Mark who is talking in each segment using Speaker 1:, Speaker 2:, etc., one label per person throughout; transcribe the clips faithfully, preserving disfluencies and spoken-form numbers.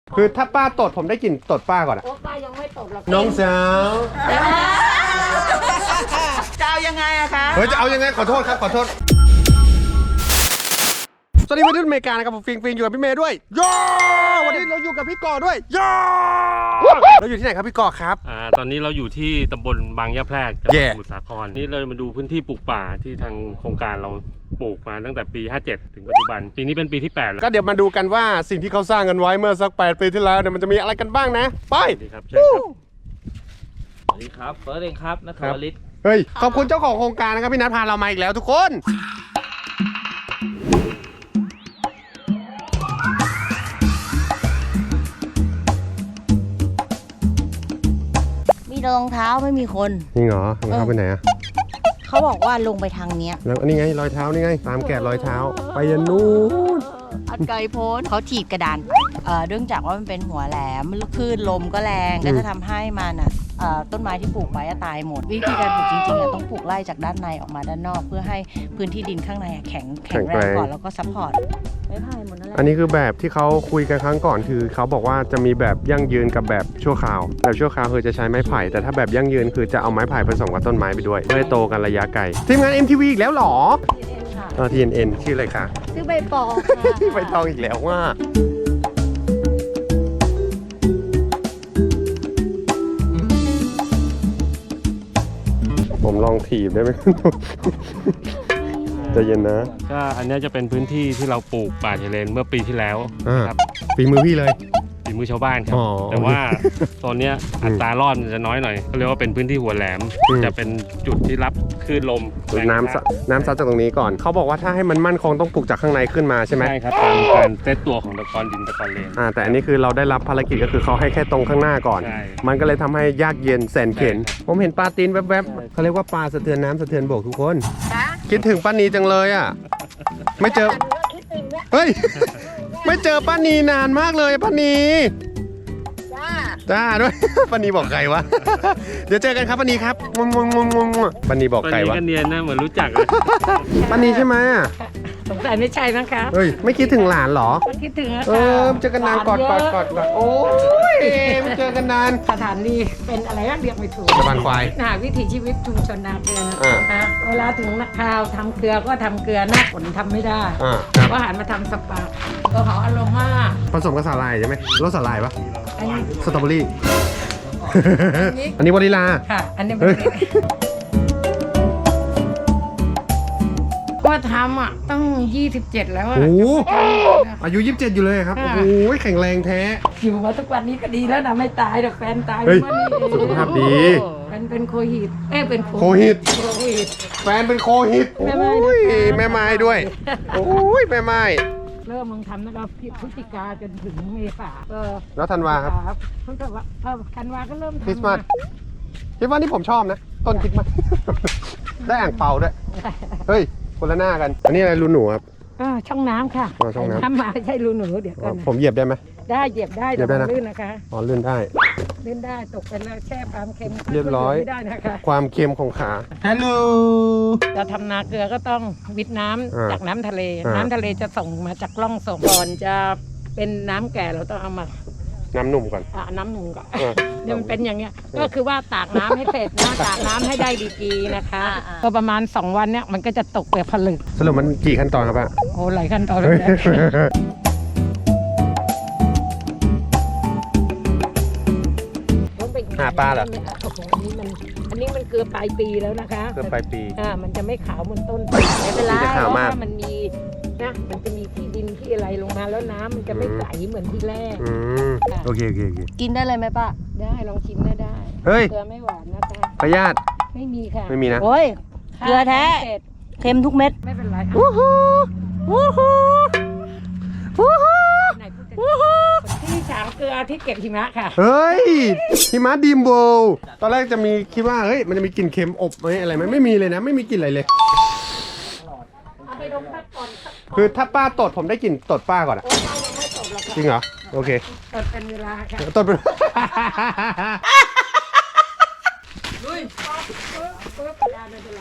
Speaker 1: คือถ้าป้าตดผมได้กลิ่นตดป้าก่อนอะ
Speaker 2: โอ้ป้ายังไม่ตดหรอก
Speaker 1: น้องสาว
Speaker 2: จะเอายังไงอะคะ
Speaker 1: เฮ้ยจะเอายังไงขอโทษครับขอโทษสวัสดีวัยรุ่นอเมริกานะครับผมฟิงฟิงอยู่กับพี่เมย์ด้วยย่อวันนี้เราอยู่กับพี่ก่อด้วยย่อเราอยู่ที่ไหนครับพี่ก่อครับ
Speaker 3: อ่าตอนนี้เราอยู่ที่ตำบลบางยะแพรกจังหวัด
Speaker 1: Yeah
Speaker 3: สมุทรสาครนี่เรามาดูพื้นที่ปลูกป่าที่ทางโครงการเราปลูกมาตั้งแต่ปีห้าเจ็ดถึงปัจจุบันปีนี้เป็นปีที่แปดแล้ว
Speaker 1: ก็เดี๋ยวมาดูกันว่าสิ่งที่เขาสร้างกันไว้เมื่อสักแปดปีที่แล้วเนี่ยมันจะมีอะไรกันบ้างนะไป
Speaker 3: สวัสดีครับเชิญครับ
Speaker 4: สวัสดีครับเฟิร์สเองครับนัทวริศ
Speaker 1: เฮ้ยขอบคุณเจ้าของโครงการนะครับพี่นัทพาเรามาอีกแล้วทุกคน
Speaker 5: มีรองเท้าไม่มีคน
Speaker 1: จริงเหรอรองเท้าไปไหนอะ
Speaker 5: เขาบอกว่าลงไปทางเนี้ย
Speaker 1: แล้วอันนี้ไงรอยเท้านี่ไงตามแกะรอยเท้าไปยันนู้น
Speaker 5: อันไกลโพ้นเขาถีบกระดานเอ่อเนื่องจากว่ามันเป็นหัวแหลมคลื่นลมก็แรงก็จะทำให้มันอ่ะเอ่อต้นไม้ที่ปลูกไว้อะตายหมด วิธีการปลูกจริงๆอะต้องปลูกไล่จากด้านในออกมาด้านนอก เพื่อให้พื้นที่ดินข้างในอะแข็งแข็งแรงก่อนแล้วก็ซัพพอร์ตไม่พายหมดนั่นแหละ
Speaker 1: อันนี้คือแบบที่เขาคุยกันครั้งก่อนคือเขาบอกว่าจะมีแบบยั่งยืนกับแบบชั่วคราวแบบชั่วคราวคือจะใช้ไม้ไผ่แต่ถ้าแบบยั่งยืนคือจะเอาไม้ไผ่ผสมกับต้นไม้ไปด้วยเพื่อให้โตกันระยะไกลทีมงาน เอ็ม ที วี อีกแล้วเหรอเออ ที เอ็น เอ็น ชื่ออะไรคะ
Speaker 5: ซื้อใบปอค่ะ
Speaker 1: ใบตองอีกแล้วว่าผมลองถีบได้ไหม ใจเย็นนะ
Speaker 3: ก็อันนี้จะเป็นพื้นที่ที่เราปลูกป่าชายเลนเมื่อปีที่แล้วนะครับ
Speaker 1: ฝีมือพี่เลย
Speaker 3: ฝีมือชาวบ้านครับ
Speaker 1: อ๋อ
Speaker 3: แต่ว่าตอนเนี้ยอัตรารอดมันจะน้อยหน่อยก็เรียกว่าเป็นพื้นที่หัวแหลม
Speaker 1: อืม
Speaker 3: จะเป็นจุดที่รับคลื่นลมแรง
Speaker 1: น้ำซัดน้ำซัดจากตรงนี้ก่อนเขาบอกว่าถ้าให้มันมั่นคงต้องปลูกจากข้างในขึ้นมาใช่ไหม
Speaker 3: ใช่ครับตามการเซตตัวของตะกอนดินตะกอนเลน
Speaker 1: อ่าแต่อันนี้คือเราได้รับภารกิจก็คือเขาให้แค่ตรงข้างหน้าก่อน
Speaker 3: ใช่
Speaker 1: มันก็เลยทำให้ยากเย็นแสนเข็น
Speaker 3: ใช่ครับ
Speaker 1: ผมเห็นปลาตีนแวบๆเขาเรียกว่าปลาสะเทือนน้ำสะเทือนบกทุกคน คิดถึงป้านีจังเลยอ่ะ ไม่เจอ เฮ้ย ไม่เจอป้านีนานมากเลยป้านีจ้าด้วย ป้านีบอกไก่วะ เดี๋ยวเจอกันครับป้านีครับงงงงงงป้านีบอก
Speaker 3: ตอน
Speaker 1: ไก่
Speaker 3: นี้
Speaker 1: วะ
Speaker 3: ก็เนียนนะเหมือนรู้จักเลย
Speaker 1: ป้านีใช่ไหมอ่ะ
Speaker 2: สงสัยไม่ใช่นะคะ
Speaker 1: เฮ้ยไม่คิดถึงหลานเหรอ
Speaker 2: คิดถึงนะ
Speaker 1: เออเจอกันนานกอดกอดกอดกอดโอ้ยไม่เจอกันนาน
Speaker 2: สถานีเป็นอะไรก็เรียกไม่ถูก
Speaker 1: สะพานควาย
Speaker 2: น่ะวิถีชีวิตชุมชนนาเกลือ
Speaker 1: อ่า
Speaker 2: นะเวลาถึงนักข่าวทำเกลือก็ทำเกลือหน้าฝนทำไม่ได้
Speaker 1: อ่าครับ
Speaker 2: ก็หันมาทำสปาก็หออโรมา
Speaker 1: ผสมกับสาหร่ายใช่ไหมรสสาหร่ายปะ
Speaker 2: อันนี้
Speaker 1: สตรอเบอรี่
Speaker 2: นี้
Speaker 1: อันนี้วานิลา
Speaker 2: ค่ะ อันนี้
Speaker 1: เฮ้ย
Speaker 2: ก็ทำอ่ะต้องยี่สิบเจ็ดแล้วอะ
Speaker 1: โอ้โหอายุยี่สิบเจ็ดอยู่เลยครับ โอ้โหแข็งแรงแท้
Speaker 2: อยู่มาทุกวันนี้ก็ดีแล้วนะไม่ตายหรอกแฟนตาย
Speaker 1: เฮ้ย
Speaker 2: วันนี้เอง
Speaker 1: สุขภาพดี
Speaker 2: เป็นเป็นโคหิตเอ้ยเป็น
Speaker 1: โคหิต
Speaker 2: โคหิต
Speaker 1: แฟนเป็นโคหิต
Speaker 2: แม่ไม้
Speaker 1: โอ้ย
Speaker 2: ด้วย
Speaker 1: แม่ไม้ด้วย โอ้ยแม่ไม้
Speaker 2: เริ่มมึงทำนะครับพฤศจิกาจนถึงเมษาเออ
Speaker 1: แล้วธันวาครับ
Speaker 2: เพิ่งแต่ว่าเออธันวาก็เริ่มทำ
Speaker 1: คริสต์มาสคริสต์มาสนี่ผมชอบนะ ต้นคริสต์มาส ได้อ่างเปาด้วย เฮ้ย คนละหน้ากัน อันนี้อะไรรูหนูครับ
Speaker 2: อ่าช่องน้ำค่ะ
Speaker 1: อ๋อช่องน้ำ
Speaker 2: ทำมาไม่ใช่รูหนูเดี๋ยว
Speaker 1: อ๋
Speaker 2: ก่
Speaker 1: อ
Speaker 2: อนนะ
Speaker 1: ผมเหยียบได้ไหม
Speaker 2: ได้เหยียบได้
Speaker 1: เหยียบได้นะ
Speaker 2: แต่ลื่นนะคะ
Speaker 1: อ๋อลื่นได้
Speaker 2: ลื่นได้ตกไปแล้วแช่ความเค็ม
Speaker 1: เรียบร้อย
Speaker 2: ไม่ได้นะคะ
Speaker 1: ความเค็มของขาฮัลโหล
Speaker 2: เราทำนาเกลือก็ต้องวิทน้ำ
Speaker 1: อ่า
Speaker 2: จากน้ำทะเล
Speaker 1: อ่า
Speaker 2: น้ำทะเลจะส่งมาจากร่องส่งก่อนจะเป็นน้ำแก่เราต้องเอามา
Speaker 1: น้ำหนุ่มก่อน
Speaker 2: อ่าน้ำหนุ่มก่อน
Speaker 1: เออ
Speaker 2: เนี่ยมันเป็นอย่างเงี้ยก็คือว่าตากน้ำให้เสร็จนะตากน้ำให้ได้ดีกีนะคะก็ประมาณสองวันเนี่ยมันก็จะตกเปลือกผลึก
Speaker 1: สรุปมันกี่ขั้นตอนครับป้า
Speaker 2: โอ้หลายขั้นตอนเลยนะ
Speaker 1: หาปลาเหรอ
Speaker 2: โอ้โหอันนี้มันอันนี้มันเกลือปลายปีแล้วนะคะ
Speaker 1: เกือบปลายปี
Speaker 2: อ่ามันจะไม่ขาวเหมือนต้นไม่เป็นไร
Speaker 1: มันจะขาวมาก
Speaker 2: เพระมันมีนะมันจะมีที่ดินที่อะไรลงมาแล้วน้ำมันจะไม่ใสเหมือนที่แรก
Speaker 1: อืมโอเคโอเคโอเค
Speaker 5: กินได้เลยไหมป้า
Speaker 2: ได้ลองชิมได้ได้
Speaker 1: เฮ้ย
Speaker 2: เกลือไม่หวานนะคะ
Speaker 1: พยาธิ
Speaker 2: ไม่มีค่ะ
Speaker 1: ไม่มีนะ
Speaker 5: โอ้ย เกลือแท้
Speaker 2: เสร็จ
Speaker 5: เค็มทุกเม็ด
Speaker 2: ไม่เป็นไร
Speaker 5: วู้ฮู้วู้ฮู้วู้ฮู้
Speaker 2: ไหนพูดจะ
Speaker 5: วู้ฮู้
Speaker 2: ที่ฉางเกลือที่เก็บหิมะค่ะ
Speaker 1: เฮ้ยหิมะดีมโบลตอนแรกจะมีคิดว่าเฮ้ยมันจะมีกลิ่นเค็มอบไหมอะไรไหมไม่มีเลยนะ ไม่มีกลิ่นอะไรเลย
Speaker 2: เอาไปดมสักก่อนสัก
Speaker 1: คือถ้าป้าตดผมได้กลิ่นตดป้าก่อนอะ
Speaker 2: โอ้ป้ายังไม่ตกหรอกค่ะ
Speaker 1: จริงเหรอโอเค
Speaker 2: ตดเป็นเวลาค่ะ
Speaker 1: ตดเป็น
Speaker 2: ลุยปึ๊บได้ไม่เป็นไร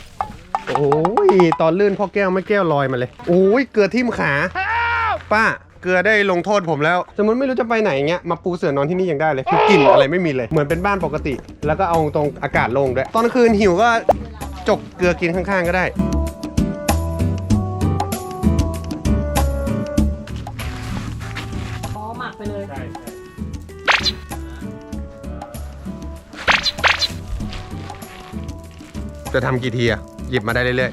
Speaker 1: โอ้ยตอนลื่นพ่อแก้วไม่แก้วลอยมาเลยโอ้ยเกลือทิ่มขาป้าเกลือได้ลงโทษผมแล้วสมมติไม่รู้จะไปไหนเงี้ยมาปูเสื่อนอนที่นี่ยังได้เลยคือกลิ่นอะไรไม่มีเลยเหมือนเป็นบ้านปกติ แล้วก็เอาตรงอากาศโล่งด้วยตอนกลางคืนหิวก็จกเกลือกินข้างๆก็ได้
Speaker 2: อ๋อหมักไปเลย
Speaker 3: ใช่
Speaker 1: จะทำกี่ทีอะหยิบมาได้เรื่อย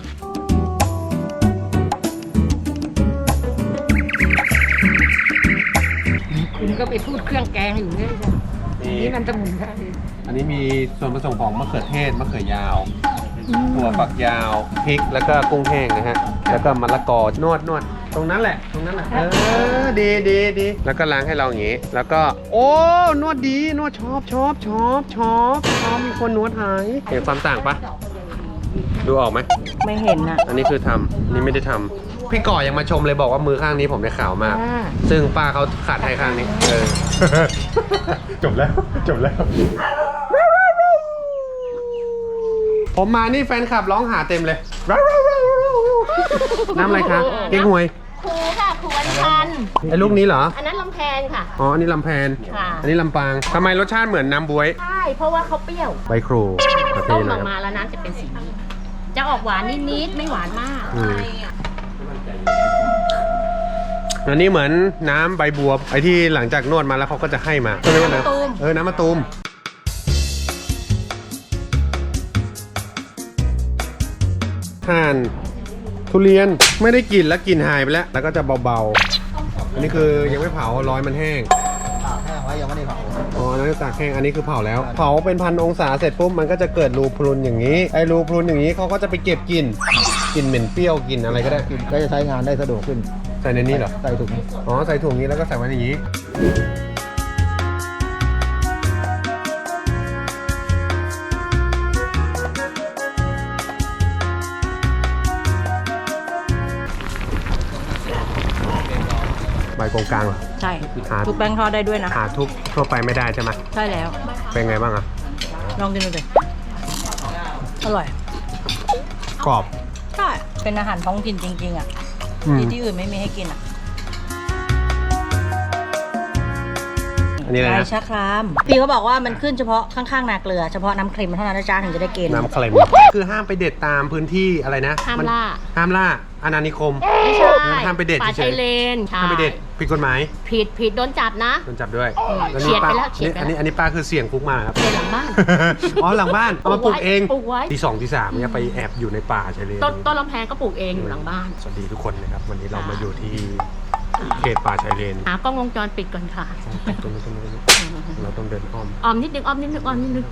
Speaker 1: ๆ
Speaker 2: คุณก็ไปพูดเครื่องแกงอยู่เนี่ยนี่มันสมุนไพร
Speaker 1: อันนี้มีส่วนผสมของมะเขือเทศมะเขือยาวถั่วฝักยาวพริกแล้วก็กุ้งแห้งนะฮะแล้วก็มะละกอนวดนวดตรงนั้นแหละตรงนั้นแหละเออดีดีดีแล้วก็ล้างให้เราอย่างงี้แล้วก็โอ้นวดดีนวดชอบชอบชอบชอบชอบมีคนนวดหายเห็นความต่างปะดูออกไหม
Speaker 5: ไม่เห็นอะ
Speaker 1: อันนี้คือทำนี่ไม่ได้ทำพี่ก่อยังมาชมเลยบอกว่ามือข้างนี้ผมได้ขาวมาก ซึ่งป้าเขาขาดให้ข้างนี้เออ จบแล้วจบแล้ว ผมมานี่แฟนคลับร้องหาเต็มเลย น้ำอะไรคะเก๊กฮวย
Speaker 6: ครูค่ะครูวันพันธ์
Speaker 1: ไอ้ลูกนี้เหรอ
Speaker 6: อันนั้นลำแพนค่ะ
Speaker 1: อ๋อ อันนี้ลำแพน
Speaker 6: ค่ะ
Speaker 1: อันนี้ลำปางทำไมรสชาติเหมือนน้ำบ๊วย
Speaker 6: ใช่ เพราะว่าเขาเปรี้ยว
Speaker 1: ใบครูประเท
Speaker 6: ต้
Speaker 1: ศ
Speaker 6: ม
Speaker 1: เล
Speaker 6: อย อก
Speaker 1: ครับ
Speaker 6: มาแล้วน้ำจะเป็นสีนี้จะออกหวานนิดๆ ไม่หวานมาก
Speaker 1: อืมอันนี้เหมือนน้ำใบบัวไอ้ที่หลังจากนวดมาแล้วเขาก็จะให้มา
Speaker 6: น้ำมะตูม
Speaker 1: เออ น้ำมะตูมห่านทุเรียนไม่ได้กลิ่นแล้วกลิ่นหายไปแล้ว แล้วก็จะเบาๆ อันนี้คือยังไม่เผาร้อยมันแห้งตากแห้งไว้ยังไม่ได้เผาอ๋ออันนั้นตากแห้งอันนี้คือเผาแล้ว เผาเป็นพันองศาเสร็จปุ๊บมันก็จะเกิดรูพรุนอย่างนี้ไอ้รูพรุนอย่างนี้เขาก็จะไปเก็บกลิ่นกลิ่นเหม็นเปรี้ยวกลิ่นอะไรก็ได้
Speaker 7: ก็จะใช้งานได้สะดวกขึ้น
Speaker 1: ใส่ในนี้เหรอ
Speaker 7: ใส่ถุง
Speaker 1: อ๋อใส่ถุงนี้แล้วก็ใส่ไว้ในนี้ใบกงกลางเหรอ
Speaker 5: ใช่
Speaker 1: หา
Speaker 5: ทุกแป้งทอดได้ด้วยนะ
Speaker 1: หาทุบทั่วไปไม่ได้ใช่ไหม
Speaker 5: ใช่แล้ว
Speaker 1: เป็นไงบ้างอะ
Speaker 5: ลองกินดูสิอร่อย
Speaker 1: กรอบ
Speaker 5: ใช่ เป็นอาหารท้องถิ่นจริงๆอ่ะ
Speaker 1: อืม
Speaker 5: ที่ที่อื่นไม่มีให้กินอ่ะ
Speaker 1: อันนี้อะไร
Speaker 5: ใบ
Speaker 1: นะ
Speaker 5: ชะคราม พี่เขาบอกว่ามันขึ้นเฉพาะข้างๆนาเกลือ เฉพาะน้ำครีมเท่านั้นนะจ๊ะถึงจะได้กิน
Speaker 1: น้ำเคลมคือห้ามไปเด็ดตามพื้นที่อะไรนะ
Speaker 6: ห้าม
Speaker 1: น
Speaker 6: ล่า
Speaker 1: ห้ามล่าอาณานิคม
Speaker 6: ไม่ใช่
Speaker 1: ห้ามไปเด็ด
Speaker 6: ป่า
Speaker 1: เฉ
Speaker 6: ชาย ยเลนใช่
Speaker 1: ห้ามไปเด็ดผิดกฎหมาย
Speaker 6: ผิดผิดโดนจับนะ
Speaker 1: โดนจับด้วย
Speaker 6: เฉียดไปแล้ว
Speaker 1: ป้า
Speaker 6: เฉียดไปแล้ว
Speaker 1: อันนี้อันนี้ป้าคือเสี่ยงคุกมาครับ
Speaker 6: ในหลังบ้าน
Speaker 1: อ๋อหลังบ้านเอามาปลูกเอง
Speaker 6: ปลูกไว้
Speaker 1: ทีสองทีสามเนี่ยไปแอบอยู่ในป่าชายเลน
Speaker 6: ต้นต้นลำแพนก็ปลูกเองอยู่หลังบ้าน
Speaker 1: สวัสดีทุกคนนะครับวันนี้เรามาอยู่ที่เขตป่าชายเลน
Speaker 6: หากล้องวงจรปิดก่อนค่ะ
Speaker 1: ตรงนี้ตรงนี้ตรงนี้เราต้องเดินอ้อม
Speaker 6: ออมนิดนึงออมนิดนึงออมนิดนึง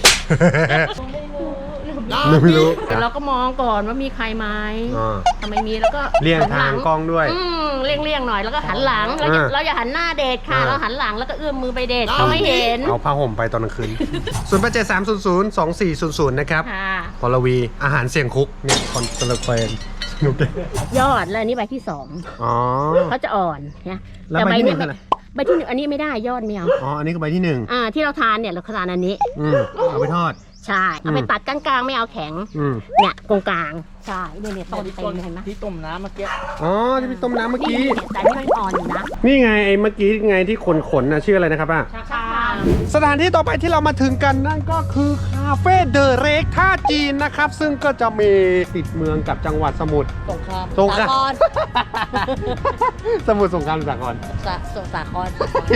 Speaker 1: ไม่รู้
Speaker 6: เดี๋ยวเราก็มองก่อนว่ามีใครไหม
Speaker 1: อ่า
Speaker 6: ถ้าไม่มีแล้วก็
Speaker 1: เลี่ยง
Speaker 6: หันห
Speaker 1: ทางกล้องด้วย
Speaker 6: อืมเลี่ยงเลี่ยงหน่อยแล้วก็หันหลังเราอย่า
Speaker 1: อ่า
Speaker 6: เราอย่าหันหน้าเดทค่ะ
Speaker 1: อ่า
Speaker 6: เราหันหลังแล้วก็เอื้อมมือไปเดทเขาไม่เห็น
Speaker 1: เอาผ้าห่มไปตอนกลางคืน ศูนย์แปดเจ็ดสามศูนย์ศูนย์สองสี่ศูนย์ศูนย์นะครับ
Speaker 6: ค่ะ
Speaker 1: พลวีอาหารเสี่ยงคุกเนี่ยคอนเสิร์ตเพลนสนุกเลย
Speaker 6: ยอดแล้วอันนี้ใบที่สอง
Speaker 1: อ๋อ
Speaker 6: เขาจะอ่อนนะ
Speaker 1: แล้วใบที่หนึ่งคืออะไร
Speaker 6: ใบที่หนึ่งอันนี้ไม่ได้ยอดไม่เอา
Speaker 1: อ๋ออันนี้คือใบที่หนึ่ง
Speaker 6: อ่าที่เราทานเนี่ยเราทานอันนี้
Speaker 1: อืมเอาไปทอด
Speaker 6: ใช่เอาไปตัดกลางๆไม่เอาแข็ง
Speaker 1: อืม
Speaker 6: เนี่ยตรงกลางใช่เนี่ยเนี่ยต้นเต็มเลยเห็นไหม
Speaker 4: ที่ต้มน้ำเมื่อกี้
Speaker 1: อ๋อที่พี่ต้มน้ำเมื่อกี้
Speaker 6: นี่แต่นี่มันอ่อนอยู่นะ
Speaker 1: นี่ไงไอ้เมื่อกี้ไงที่ขนขนๆนะชื่ออะไรนะครับป้า
Speaker 6: ค่ะ
Speaker 1: สถานที่ต่อไปที่เรามาถึงกันนั่นก็คือคาเฟ่เดอะเรกท่าจีนนะครับ ซึ่งก็จะมีติดเมืองกับจังหวัดสมุทร
Speaker 5: สงคราม
Speaker 1: สงคราม
Speaker 5: สาคร
Speaker 1: สมุทรสงครามสากล
Speaker 5: สาสสาคร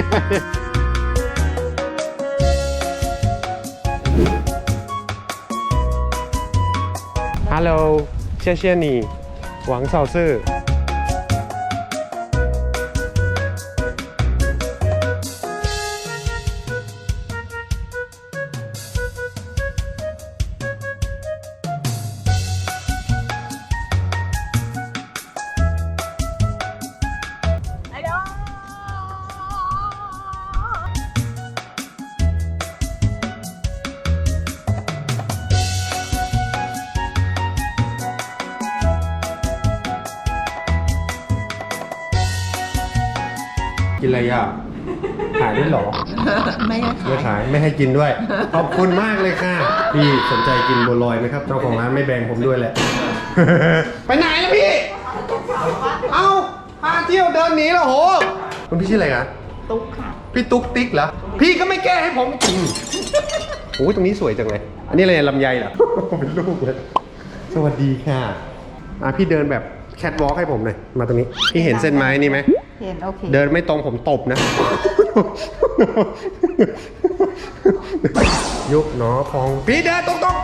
Speaker 1: ฮัลโหลเชี่ยเชี่ยนี่หวังเซาซื่อกินอะไรอ่ะขายด้วยเหรอ
Speaker 5: ไม่ได้
Speaker 1: ไม่ขายไม่ให้กินด้วย ขอบคุณมากเลยค่ะ พี่สนใจกินบัวลอยไหมครับ เจ้าของร้านไม่แบ่งผมด้วยแหละ ไปไหนล่ะพี่ เอาพาเที่ยวเดินหนีแล้วโหคุณพี่ชื่ออะไรคะตุ๊กค่ะพี่ตุ๊กติ๊กเหรอพี่ก็ไม่แก้ให้ผมจริงโอ้ยตรงนี้สวยจังเลยอันนี้อะไรลำไยเหรอ เป็นลูกเลยสวัสดีค่ะอ่ะพี่เดินแบบแคทวอล์กให้ผมหน่อยมาตรงนี้พี่เห็นเส้นไม้นี่ไหมเห็นโอเคเดินไม่ตรงผมตบนะ ยุกหนอพองพี่เดินตรงๆ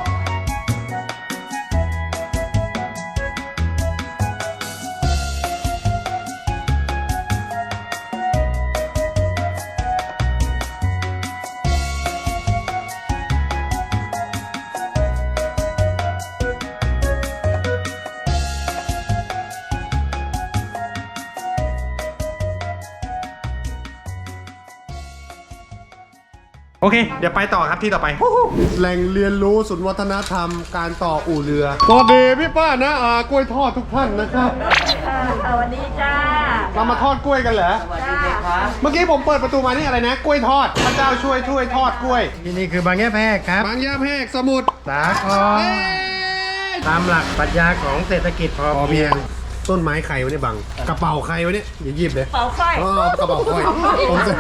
Speaker 1: โอเค เดี๋ยวไปต่อครับที่ต่อไป แหล่งเรียนรู้ศูนย์วัฒนธรรมการต่ออู่เรือสวัสดีพี่ป้านะอากล้วยทอดทุกท่านนะครับสวัสดีจ้าเรามาทอดกล้วยกันเหรอสวัสดีครับเมื่อกี้ผมเปิดประตูมานี่อะไรนะกล้วยทอดพระเจ้าช่วยช่วยทอดกล้วย
Speaker 7: ที่นี่คือบางแยกแพรกครับ
Speaker 1: บางยาแพรกสมุทร
Speaker 7: สาครตามหลักปรัชญาของเศรษฐกิจพอ
Speaker 1: พอ
Speaker 7: เพี
Speaker 1: เพี
Speaker 7: ย
Speaker 1: ย
Speaker 7: ง
Speaker 1: งต้นไม้ใครวะเนี่ยบังกระเป๋าใครวะเนี่ยอย่าหยิบเลยกระเป๋าไฟอ๋อกระเป๋าไฟผมจะ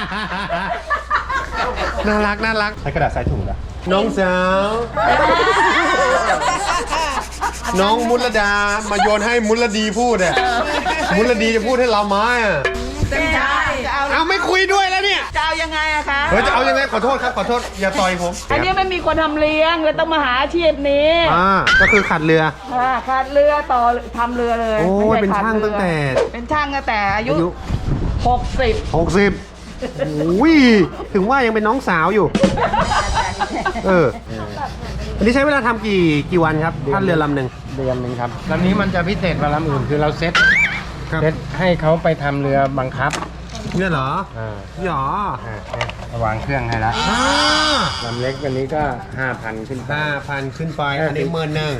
Speaker 1: น่ารักน่ารักใช้กระดาษใส่ถุงละน้องสาวน้องมุลดามาโยนให้มุลดีพูดอ่ะมุลดีจะพูดให้เราไม้อ่ะเอาไม่คุยด้วยแล้วเนี่ย
Speaker 5: จะเอายังไงอะคะ
Speaker 1: เฮ้ยจะเอายังไงขอโทษครับขอโทษอย่าต่อยผม
Speaker 5: อันนี้ไม่มีคนทำเลี้ยงเลยต้องมาหาอาชีพนี้
Speaker 1: อ่าก็คือขัดเรือ
Speaker 5: อ่าขาดเรือต่อทำเรือเลย
Speaker 1: โอ้ย
Speaker 5: ไม่
Speaker 1: เป็น
Speaker 5: ใขัด
Speaker 1: ช่าง
Speaker 5: รือ
Speaker 1: ตั้งแต่
Speaker 5: เป็นช่างตั้งแต่อายุ
Speaker 1: อายุ
Speaker 5: หกสิบ
Speaker 1: หกสิบโอ้ยถึงว่ายังเป็นน้องสาวอยู่เอออันนี้ใช้เวลาทำกี่กี่วันครับท่านเรือลำหนึ่ง
Speaker 7: เดือนหนึ่งครับลำนี้มันจะพิเศษกว่าลำอื่นคือเราเซ็ต
Speaker 1: ครับ
Speaker 7: เซ็ตให้เขาไปทำเรือบังคับ
Speaker 1: เนี่ยเหรอ
Speaker 7: อ่า
Speaker 1: หรอ
Speaker 7: อ่าให้วางเครื่องให้ละ
Speaker 1: อ่า
Speaker 7: ลำเล็กวันนี้ก็ห้าพันขึ้นไป
Speaker 1: ห้าพันขึ้นไปอันนี้หมื่นหนึ่ง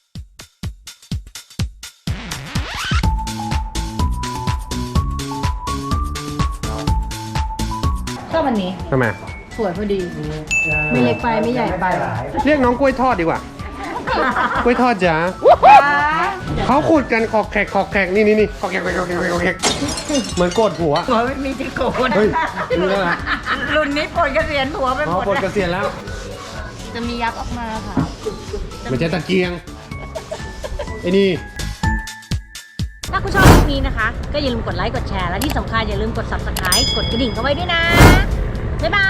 Speaker 2: ชอบอันนี้
Speaker 1: ทำไม
Speaker 2: สวยพอดี ไม่เล็กไปไม่ใหญ่ไป
Speaker 1: เรียกน้องกล้วยทอดดีกว่า กล้วยทอดจ๋าเขาขุดกันขอกแขกขอกแขกนี่นี่นี่ขอกแขกขอกแขกขอกแขกเหมือนโกดหัว
Speaker 5: หัวไม่มีที่โกน
Speaker 1: เฮ้ยนี่แล้วนะ
Speaker 5: รุ่นนี้ปลดเกษียณหัวไปห
Speaker 1: อ๋อ
Speaker 5: มด
Speaker 1: ปลดเกษียณแล้ว
Speaker 5: จะมียับออกมาค่ะ
Speaker 1: ไม่ใช่ตะเกียงไอ้นี่
Speaker 6: ถ้าคุณชอบคลิปนี้นะคะ ก็อย่าลืมกดไลค์ กดแชร์ และที่สำคัญอย่าลืมกด ซับสไครบ์ กดกระดิ่งเอาไว้ด้วยนะ บ๊ายบาย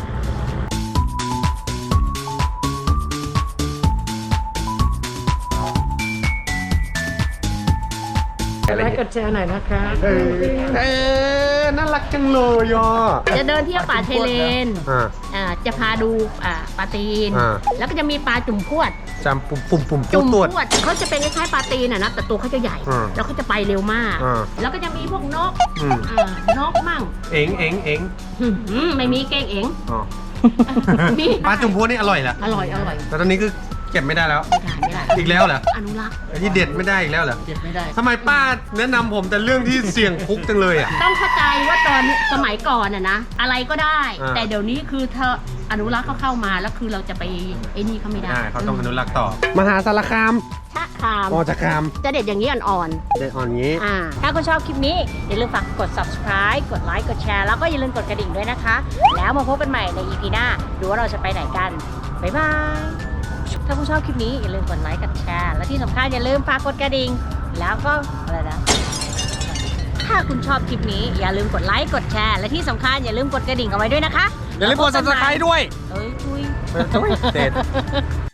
Speaker 2: ไลค์กดแชร์หน่อยนะคะ
Speaker 1: เออเออน่ารักจังเลยอ่ะ
Speaker 6: จะเดินเที่ยวป่าชายเลน
Speaker 1: อ่า
Speaker 6: อ่าจะพาดูอ่าปลาตีน
Speaker 1: อ่า
Speaker 6: แล้วก็จะมีปลาจุ่มพวด
Speaker 1: จำปุ่มปุ่มปุ่ม
Speaker 6: จุ่ม
Speaker 1: ตรวจ
Speaker 6: พวดเขาจะเป็นคล้ายๆปลาตีนอะนะแต่ตัวเขาจะใหญ่
Speaker 1: อ่า
Speaker 6: แล้วเขาจะไปเร็วมาก
Speaker 1: อ่า
Speaker 6: แล้วก็จะมีพวกนก
Speaker 1: อืม
Speaker 6: อ่านกมั่ง
Speaker 1: เอ็งเอ็งเอ็ง
Speaker 6: หืมไม่มีเก้งเอ๋ง
Speaker 1: อ๋อ
Speaker 6: มี
Speaker 1: ปลาจุ่มพวนี่อร่อยเหรอ
Speaker 6: อร่อยอร่อย
Speaker 1: แต่ตอนนี้คือเก็บไม่ได้แล้ว
Speaker 6: ไม่ได้ไม่ได้
Speaker 1: อีกแล้วเหรอ
Speaker 6: อนุรักษ์
Speaker 1: ไอ้ที่เด็ดไม่ได้อีกแล้วเหรอ
Speaker 6: เด็ดไม่ได้
Speaker 1: ทำไมป้าแนะนำผมแต่เรื่องที่เสี่ยงคุกจังเลยอ่ะ
Speaker 6: ต้องเข้าใจว่าตอนสมัยก่อนอะนะอะไรก็ได้
Speaker 1: อ่า
Speaker 6: แต่เดี๋ยวนี้คือเธออนุรักษ์เขาเข้ามาแล้วคือเราจะไปไอ้นี่เขาไม่ได้
Speaker 1: อ่าเขาต้องอนุรักษ์ต่อ มหาสารคาม
Speaker 6: ชะคาม
Speaker 1: มอจากคาม
Speaker 6: จะเด็ดอย่างนี้อ่อน
Speaker 1: เด็ดอ่อนงี้
Speaker 6: ๆอ่าถ้าคุณชอบคลิปนี้อย่าลืมฝากกด ซับสไครบ์ กดไลค์กดแชร์แล้วก็อย่าลืมกดกระดิ่งด้วยนะคะ แล้วมาพบกันใหม่ใน อี พี หน้าดูว่าเราจะไปไหนกันบ๊ายบายถ้าคุณชอบคลิปนี้อย่าลืมกดไลค์กดแชร์และที่สำคัญอย่าลืมฝากกดกระดิ่งแล้วก็อะไรนะ ถ้าคุณชอบคลิปนี้อย่าลืมกดไลค์ กดแชร์ และที่สำคัญอย่าลืมกดกระดิ่งเอาไว้ด้วยนะคะ
Speaker 1: อย่าลืมกด ซับสไครบ์ ด้วย
Speaker 6: เอ้ยคุย
Speaker 1: เด็ด